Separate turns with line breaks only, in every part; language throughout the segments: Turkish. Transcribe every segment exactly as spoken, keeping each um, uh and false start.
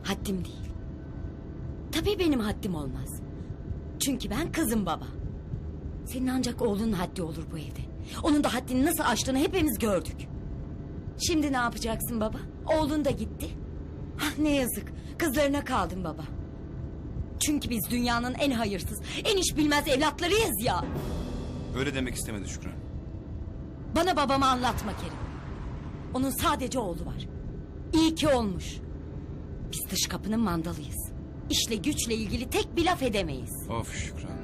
Haddim değil. Tabii benim haddim olmaz. Çünkü ben kızım baba. Senin ancak oğlunun haddi olur bu evde. Onun da haddini nasıl aştığını hepimiz gördük. Şimdi ne yapacaksın baba? Oğlun da gitti. Ah, ne yazık. Kızlarına kaldın baba. Çünkü biz dünyanın en hayırsız, en iş bilmez evlatlarıyız ya.
Öyle demek istemedi Şükran.
Bana babamı anlatma Kerim. Onun sadece oğlu var. İyi ki olmuş. Biz dış kapının mandalıyız. İşle güçle ilgili tek bir laf edemeyiz.
Of Şükran.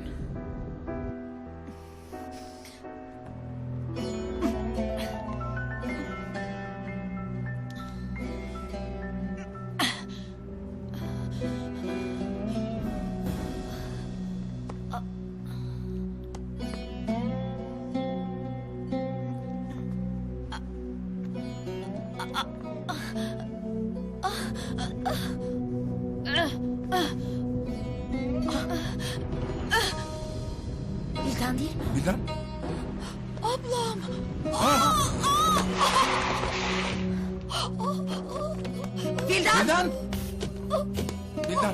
Bildan değil mi?
Bildan.
Ablam. Bildan.
Bildan. Bildan.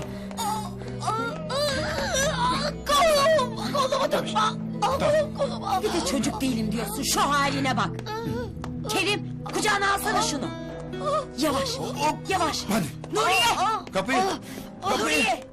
Kolum. Kolumu
Tabii.
tutma. Allah'ım kolumu. Bir de çocuk değilim diyorsun. Şu haline bak. Kerim, kucağına alsana şunu. Yavaş. Yavaş.
Hadi.
Nuriye.
Kapıyı. Kapıyı.
Nuriye.